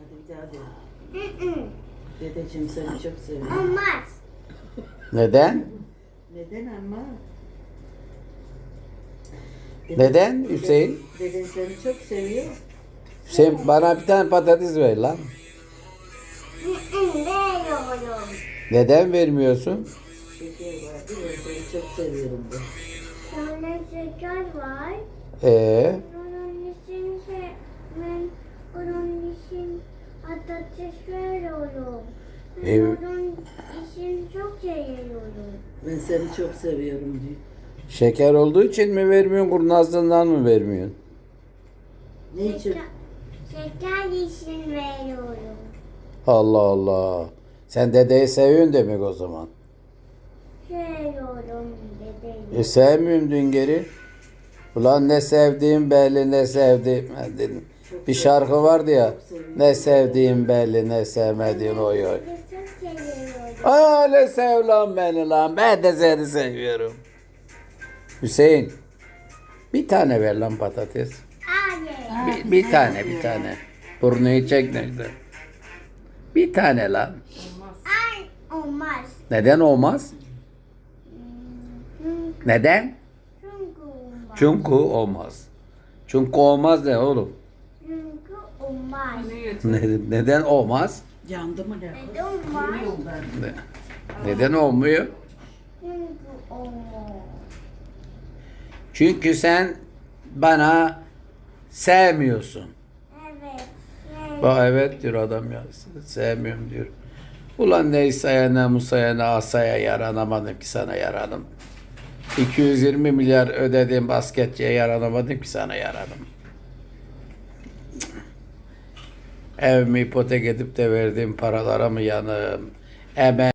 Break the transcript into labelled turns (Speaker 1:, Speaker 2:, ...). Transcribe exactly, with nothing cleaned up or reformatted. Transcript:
Speaker 1: Hadi bir daha de. Dedeciğim seni çok seviyorum.
Speaker 2: Olmaz.
Speaker 3: Neden?
Speaker 1: Neden ama?
Speaker 3: Neden Hüseyin?
Speaker 1: Deden seni çok seviyor.
Speaker 3: Hüseyin bana bir tane patates ver lan.
Speaker 2: Veriyorum.
Speaker 3: Neden vermiyorsun?
Speaker 1: Şeker vardı ya seni çok seviyorum de.
Speaker 2: Sonra şeker var.
Speaker 3: Ee,
Speaker 2: Onun için şey, ben onun için patates veriyorum. Ben
Speaker 3: Evet.
Speaker 2: onun için çok seviyorum.
Speaker 1: Ben seni çok seviyorum diyor.
Speaker 3: şeker olduğu için mi vermiyorsun, kurnazlığından mı vermiyorsun?
Speaker 1: Ne için?
Speaker 2: Şeker, şeker için veriyorum.
Speaker 3: Allah Allah. Sen dedeyi seviyorsun demek o zaman.
Speaker 2: Seviyorum
Speaker 3: E
Speaker 2: dedeyi.
Speaker 3: sevmiyorum dün geri. Ulan ne sevdiğim belli ne sevdiğim ben dedim. Bir şarkı vardı ya. Ne sevdiğim belli ne sevmediğin oy oy.
Speaker 2: Ben çok seviyorum.
Speaker 3: Öyle sev lan beni lan. Ben de seni seviyorum. Hüseyin. Bir tane ver lan patates.
Speaker 2: Hayır.
Speaker 3: Bir, bir tane bir tane. Burnuyu çek nerede? Bir tane lan.
Speaker 2: Ay olmaz.
Speaker 3: Neden olmaz?
Speaker 2: Çünkü,
Speaker 3: Neden?
Speaker 2: çünkü olmaz.
Speaker 3: Çünkü olmaz. Çünkü olmaz ne oğlum?
Speaker 2: Çünkü olmaz.
Speaker 3: Ne- Neden olmaz?
Speaker 1: Yandı mı ne?
Speaker 2: Neden olmaz?
Speaker 1: Bilmiyorum ben.
Speaker 3: Ne- Neden olmuyor?
Speaker 2: Çünkü olmaz.
Speaker 3: Çünkü sen bana sevmiyorsun.
Speaker 2: Evet. Evet.
Speaker 3: Bak evet diyor adam ya. Sevmiyorum diyor. Ulan ne İsa'ya ne Musa'ya ne Asa'ya yaranamadım ki sana yaranım. iki yüz yirmi milyar ödediğim basketçiye yaranamadım ki sana yaranım. Evimi ipotek edip de verdiğim paralara mı yanım? Emeğim